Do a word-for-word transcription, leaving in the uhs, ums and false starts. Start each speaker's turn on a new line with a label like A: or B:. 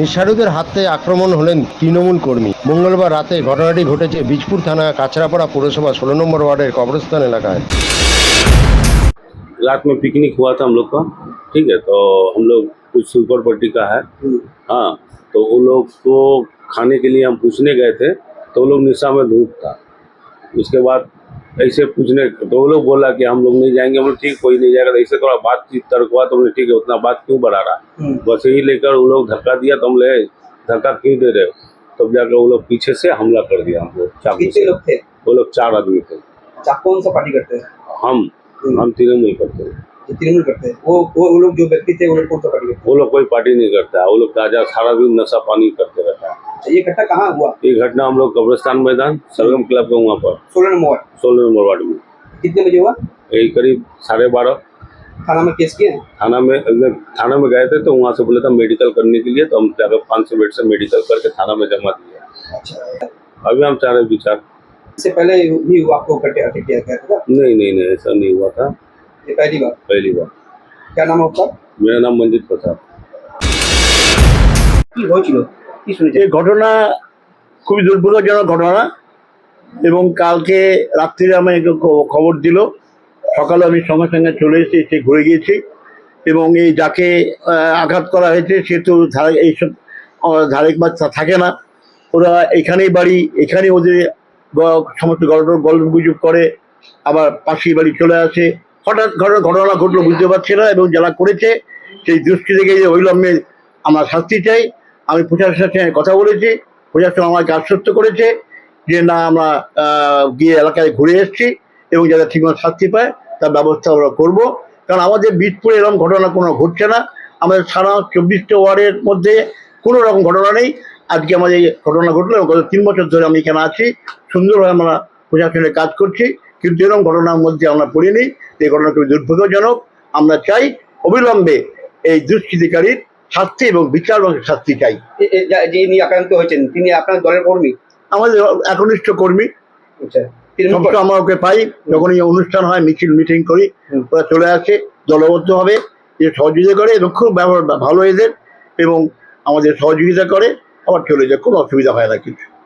A: নিঃসারুদের হাতে আক্রমণ হলেন তৃণমূল কর্মী। মঙ্গলবার রাতে ঘটনাটি ঘটেছে বীজপুর থানা কাছড়াপাড়া পৌरसभा सोलह নম্বর वार्डের कब्रस्तान এলাকায়।
B: रात में पिकनिक हुआ था हम लोग का, ठीक है। तो हम लोग कुछ सुपर पट्टी का है, हाँ। तो वो लोग को खाने के लिए हम पूछने गए थे, तो वो लोग निशा में धूप था। उसके बाद ऐसे पूछने तो वो लोग बोला कि हम लोग नहीं जाएंगे। हम लोग ठीक कोई नहीं जाएगा। ऐसे थोड़ा बातचीत तर्क हुआ तो हमने ठीक है, उतना बात क्यों बढ़ा रहा, बस यही लेकर वो लोग धक्का दिया। तो हम ले धक्का क्यों दे रहे हो, तब तो जाकर वो लोग पीछे से हमला कर दिया हमको चाकू से।
C: लोग थे?
B: वो लोग चार आदमी थे।
C: कौन सा पार्टी करते हैं?
B: हम हम तृणमूल करते हैं।
C: तृणमूल करते हैं। वो वो वो लोग जो व्यक्ति थे वो लोग कौन सा पार्टी करते हैं?
B: वो लोग कोई पार्टी नहीं करता है। वो लोग ताजा सारा दिन नशा पानी करते रहता है।
C: ये घटना कहाँ हुआ?
B: ये घटना हम लोग कब्रिस्तान मैदान सरगम क्लब के वहाँ पर
C: सोलह नंबर वार्ड
B: सोलह नंबर वार्ड में।
C: कितने बजे हुआ?
B: यही करीब साढ़े बारह।
C: थाना में केस किए हैं?
B: थाना में थाना में गए थे, तो वहाँ से बोले था मेडिकल करने के लिए। तो हम जाकर पाँच सौ बेड से मेडिकल करके थाना में जमा दिया।
C: अच्छा,
B: अभी हम चाह रहे विचार।
C: इससे पहले भी आपको अटैक किया गया था?
B: नहीं नहीं नहीं, ऐसा नहीं हुआ था,
C: ये पहली बार?
B: पहली बार।
C: क्या नाम है आपका?
B: मेरा नाम मंजित प्रसाद।
C: কি হয়েছিল, কি শুনেছেন?
D: এই ঘটনা খুবই দুর্ভাগ্যজনক ঘটনা এবং কালকে রাত্রিরে আমি খবর দিল, সকালে আমি সঙ্গে সঙ্গে চলে এসে এসে ঘুরে গিয়েছি এবং এই যাকে আঘাত করা হয়েছে সে তো এইসব ধারেক বাচ্চা থাকে না, ওরা এখানেই বাড়ি, এখানেই ওদের সমস্ত গল্প গল্প গুজব করে, আবার পাশের বাড়ি চলে আসে। হঠাৎ ঘটনা ঘটলো বুঝতে পারছি না, এবং যারা করেছে সেই দৃষ্টি থেকে যে অবিলম্বে আমরা শাস্তি চাই। আমি প্রশাসনের সঙ্গে কথা বলেছি, প্রশাসন আমাকে আশ্বস্ত করেছে যে না, আমরা গিয়ে এলাকায় ঘুরে এসেছি এবং যারা ঠিকমতো শাস্তি পায় তার ব্যবস্থা আমরা করবো। কারণ আমাদের বীজপুরে এরকম ঘটনা কোনো ঘটছে না। আমাদের সারা চব্বিশটা ওয়ার্ডের মধ্যে কোনো রকম ঘটনা নেই। আজকে আমাদের ঘটনা ঘটলো এবং গত তিন বছর ধরে আমি এখানে আছি, সুন্দরভাবে আমরা প্রশাসনের কাজ করছি, কিন্তু এরকম ঘটনার মধ্যে আমরা পড়িনি। এই ঘটনা খুবই দুর্ভাগ্যজনক। আমরা চাই অবিলম্বে এই দুষ্কৃতিকারীর শাস্তি এবং বিচার এবং শাস্তি চাই।
C: যিনি আক্রান্ত হয়েছেন তিনি আপনার দলের কর্মী?
D: আমাদের একনিষ্ঠ কর্মী।
C: আচ্ছা,
D: আমরা ওকে পাই, যখনই অনুষ্ঠান হয়, মিছিল মিটিং করি, ওরা চলে আসে দলবদ্ধভাবে, যে সহযোগিতা করে এবং খুব ব্যবহার ভালো এদের, এবং আমাদের সহযোগিতা করে আবার চলে যায়, কোনো অসুবিধা হয় না কিছু।